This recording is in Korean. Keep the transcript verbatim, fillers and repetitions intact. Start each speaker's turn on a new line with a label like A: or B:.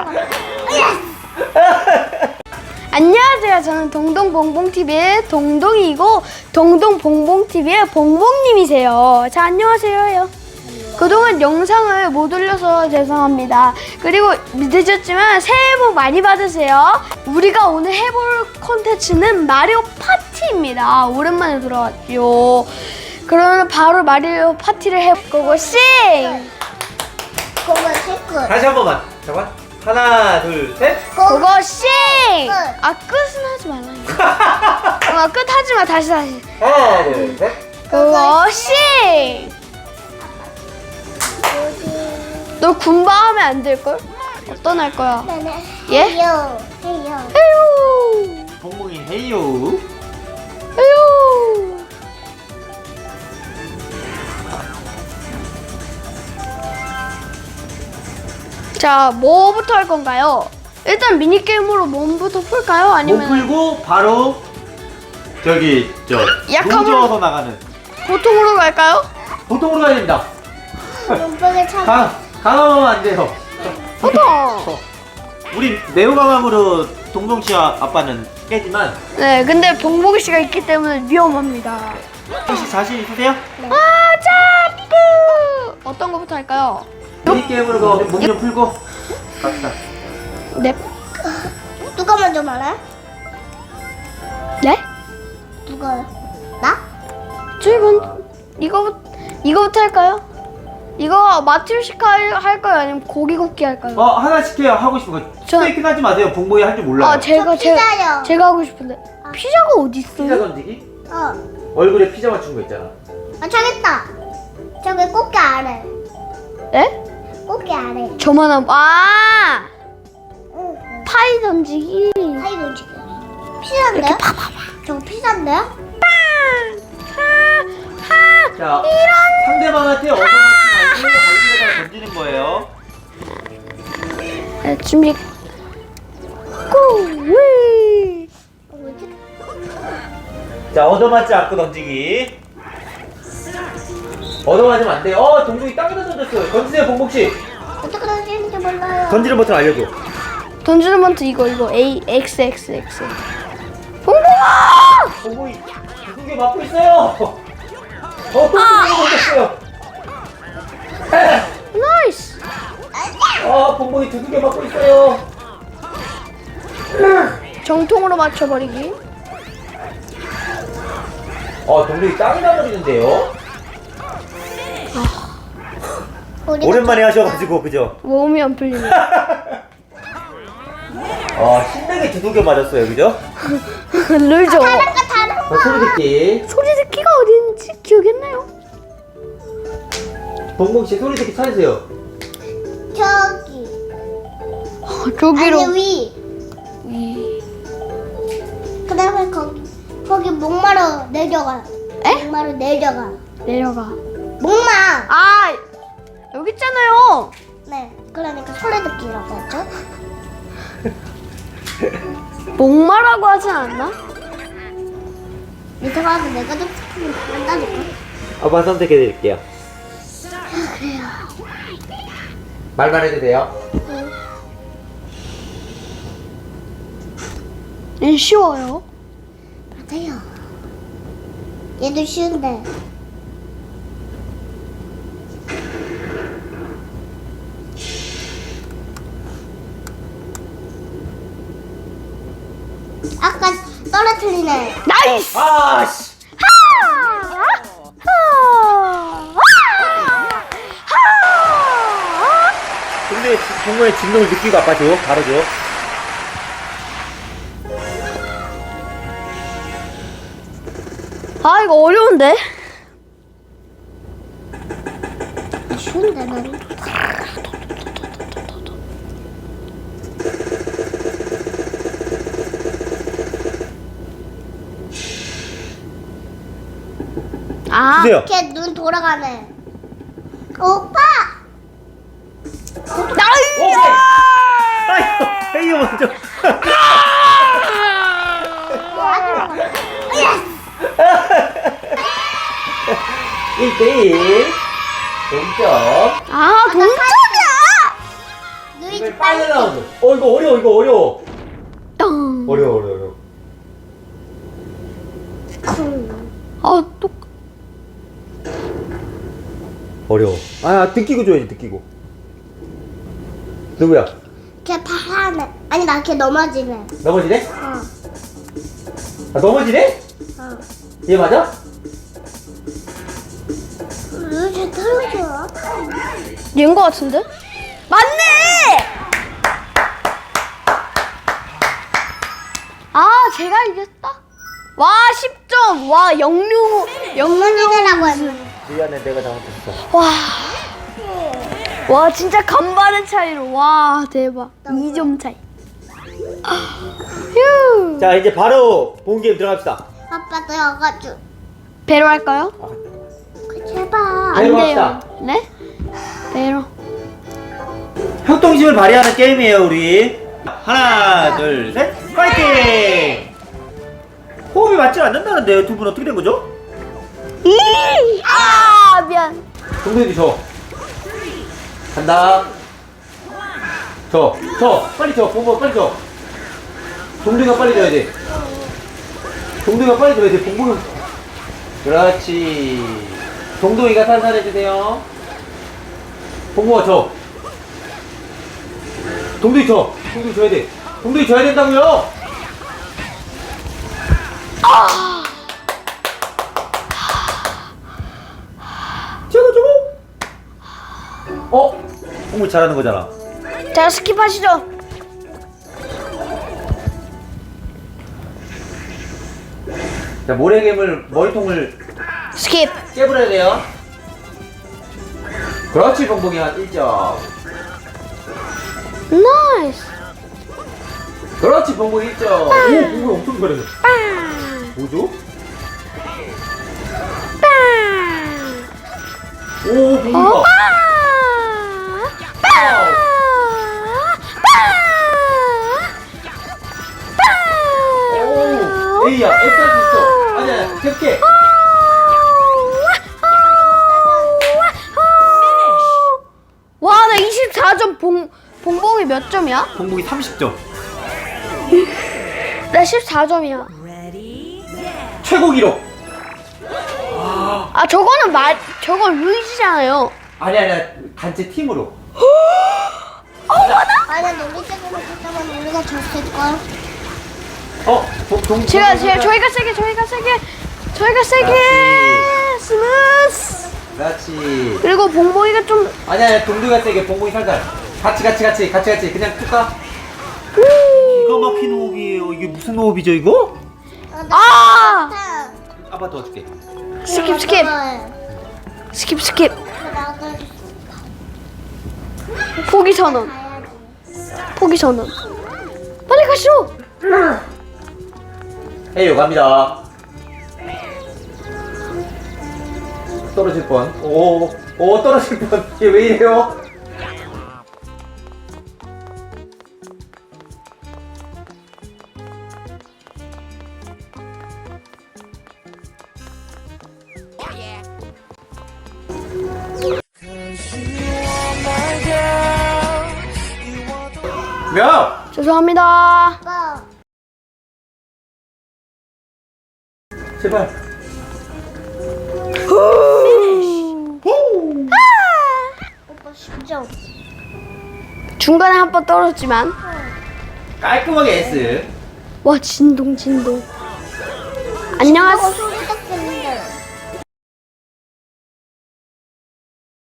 A: 안녕하세요. 저는 동동봉봉티비의 동동이고 동동봉봉티비의 봉봉님이세요. 자, 안녕하세요. 그동안 영상을 못 올려서 죄송합니다. 그리고 늦었지만 새해 복 많이 받으세요. 우리가 오늘 해볼 콘텐츠는 마리오 파티입니다. 오랜만에 돌아왔죠. 그러면 바로 마리오 파티를 해볼 거고 싱!
B: 그거 끝.
C: 다시 한 번만. 잠깐. 하나, 둘, 셋.
A: 그거 싱!
B: 끝.
A: 아, 끝은 하지 말라니까. 아, 끝 하지 마. 다시 다시.
C: 하나, 둘, 셋.
A: 그거 싱! 너 군바 하면 안 될걸? 어떤 할 거야?
B: 네네.
A: 예?
B: 해요. 해요.
A: 에휴!
C: 봉봉이 헤이요.
A: 에휴! 자, 뭐부터 할 건가요? 일단 미니게임으로 몸부터 풀까요?
C: 몸
A: 아니면
C: 풀고 바로 저기 저
A: 약함을-
C: 농지어서 나가는
A: 보통으로 갈까요?
C: 보통으로 가야 됩니다.
B: 눈뽕을 참.
C: 강 강함하면 안 돼요.
A: 보통!
C: 우리 매우 강함으로 동동 씨와 아빠는 깨지만
A: 네, 근데 봉봉이 씨가 있기 때문에 위험합니다.
C: 혹시 자신 있으세요?
A: 아, 자꾸! 어떤 거부터 할까요?
C: 미니 게임으로 몸 좀 풀고 갑시다.
A: 네.
B: 누가 먼저 말해?
A: 네?
B: 누가? 나?
A: 저희 먼저 이거 이거부터 할까요? 이거 마트리오시카 할까요? 아니면 고기 굽기 할까요?
C: 어 하나씩 해요. 하고 싶은 거.
A: 저-
C: 스테이크 하지 마세요. 봉봉이 할 줄 몰라요.
A: 아, 제가
B: 저
A: 제가
B: 피자요.
A: 제가 하고 싶은데 피자가 어디
C: 피자
A: 있어요?
C: 던지기?
B: 어.
C: 얼굴에 피자 맞춘 거 있잖아.
B: 아, 저겠다. 저기 꽃게 아래.
A: 네?
B: 꽃게 아래.
A: 저만한 아
B: 응.
A: 파이 던지기.
B: 파이 놓치기. 피자인데?
A: 이렇게 파파파.
B: 저거 피자인데?
A: 하하.
C: 자 상대방한테 얻어맞지 말고 얼굴에다 던지는 거예요.
A: 네, 준비. 고위.
B: 어, 뭐지?
C: 자 얻어맞지 않고 던지기. 얻어맞으면 안 돼요. 어 동동이 땅에다 던졌어요. 던지세요 봉봉 씨.
B: 어떻게 던지는지 몰라요.
C: 던지는 버튼 알려줘.
A: 던지는 번트 이거 이거 A X X X. 봉봉아!
C: 봉봉이 무슨 게 맞고 있어요. 어 봉봉이 던졌어요.
A: 나이스.
C: 어 봉봉이 두 개 맞고 있어요.
A: 정통으로 맞춰버리기.
C: 어 동동이 땅에다 버리는데요.
B: 우리가
C: 오랜만에 하셔가지고 그죠?
A: 몸이 안 풀리네.
C: 어 신나게 두들겨 맞았어요 그죠?
A: 늘죠.
B: 다른 거 다른 거.
C: 어, 소리 듣기.
A: 소리 듣기가 어딘지 기억했나요?
C: 봉봉 씨 소리 듣기 찾으세요.
B: 저기.
A: 어, 저기로.
B: 아니 위.
A: 위.
B: 그다음에 거기 거기 목마루 내려가.
A: 에?
B: 목마루 내려가.
A: 내려가.
B: 목마.
A: 아, 여기 있잖아요.
B: 네. 그러니까 소리 듣기라고 했죠.
A: 목마라고 하지 않나?
B: 밑에 가서 내가 좀 한다니까.
C: 아빠 선택해드릴게요.
B: 그래요.
C: 말만 해도 돼요.
A: 얘 쉬워요.
B: 맞아요. 얘도 쉬운데. 아까 떨어뜨리네.
A: 나이스.
C: 아 씨.
A: 하! 하! 하!
C: 근데 봉봉의 진동을 느끼고 아빠 줘. 바로 줘.
A: 아, 이거 어려운데?
B: 쉬운데 나는.
A: 아,
C: 주세요.
B: 걔 눈 돌아가네. 오빠!
A: 나이스.
C: 오케이. 아이고 헤이요 먼저. 일 대 일 동점.
A: 아, 동점이야.
B: 누이
C: 게임을 파이널 라운드. 어 이거 어려워 이거 어려워.
A: 땅.
C: 어려워 어려워 어려워.
A: 아, 또.
C: 어려워. 아 느끼고 줘야지 느끼고. 누구야?
B: 걔 파하네. 아니 나 걔 넘어지네.
C: 넘어지네?
B: 어.
C: 아 넘어지네?
B: 어.
C: 얘 맞아?
B: 왜쟤 떨어져?
A: 얘인 거 같은데? 맞네! 아, 제가 이겼다. 와, 십 점. 와, 영류, 영류.
B: 넘어지라고 했는데.
C: 미안해 내가 잘못했어.
A: 와. 와, 진짜 간반의 차이로. 와, 대박. 이 점 차이. 휴.
C: 자 이제 바로 본 게임 들어갑시다.
B: 아빠 들어가줘.
A: 배로 할까요?
C: 아,
B: 그 제발.
A: 안
C: 배로
A: 돼요.
C: 합시다.
A: 네? 배로.
C: 협동심을 발휘하는 게임이에요 우리. 하나 둘 셋 파이팅! 호흡이 맞지 않는다는데요. 두 분 어떻게 된 거죠?
A: 이! 아, 미안.
C: 동생이 줘. 간다. 줘. 줘. 빨리 줘. 봉봉 빨리 줘. 동생아 빨리 줘야 돼. 동동이가 빨리 줘야 돼. 봉봉이. 그렇지. 동동이가 살살해 주세요. 봉봉아 줘. 동동이 줘. 동동이 줘야 돼. 동동이 줘야 된다고요.
A: 아!
C: 저거 저거. 어? 봉봉이 잘하는 거잖아.
A: 자, 스킵하시죠.
C: 자, 모래괴물 머리통을
A: 스킵.
C: 깨버려야 돼요. 그렇지, 봉봉이 한 일 점.
A: 나이스.
C: 그렇지, 봉봉이 일 점. 오, 봉봉이 엄청 잘해.
A: 빵.
C: 뭐죠?
A: 빵.
C: 오, 봉봉이가.
A: 어? 빵. 빵. 빵.
C: 오, A야, F 할 수 있어. 아니야, 아니야, 계속해.
A: 와, 나 이십사 점. 봉, 봉봉이 몇 점이야?
C: 봉봉이 삼십 점.
A: 나 십사 점이야.
C: 최고 기록.
A: 아, 저거는 말, 저건 루이지잖아요.
C: 아니야, 아니야, 단체 팀으로.
B: 아니야 놀이터에서 했다면 우리가 졌을걸.
C: 어, 동, 동,
A: 제가,
C: 동동이가-
A: 제가, 저희가 세게, 저희가 세게, 저희가 세게.
C: 그렇지.
A: 스무스.
C: 그렇지.
A: 그리고 봉봉이가 좀,
C: 아니야, 아니야, 동동이가 세게, 봉봉이 살살. 같이, 같이, 같이, 같이, 같이. 그냥 쭉 가.
A: 우.
C: 기가 막힌 호흡이에요. 이게 무슨 호흡이죠, 이거?
A: 아!
C: 아빠 도와줄게.
A: 스킵, 스킵. 스킵, 스킵. 포기 선언. 포기 선언. 빨리 가시오.
C: 헤이요, 갑니다. 떨어질 뻔. 오, 오, 떨어질 뻔. 얘 왜 이래요? 몇?
A: 죄송합니다.
B: 오빠
C: 제발.
B: 오빠 십 점.
A: 중간에 한 번 떨어졌지만.
C: 깔끔하게 S.
A: 와, 진동, 진동. 안녕하세요.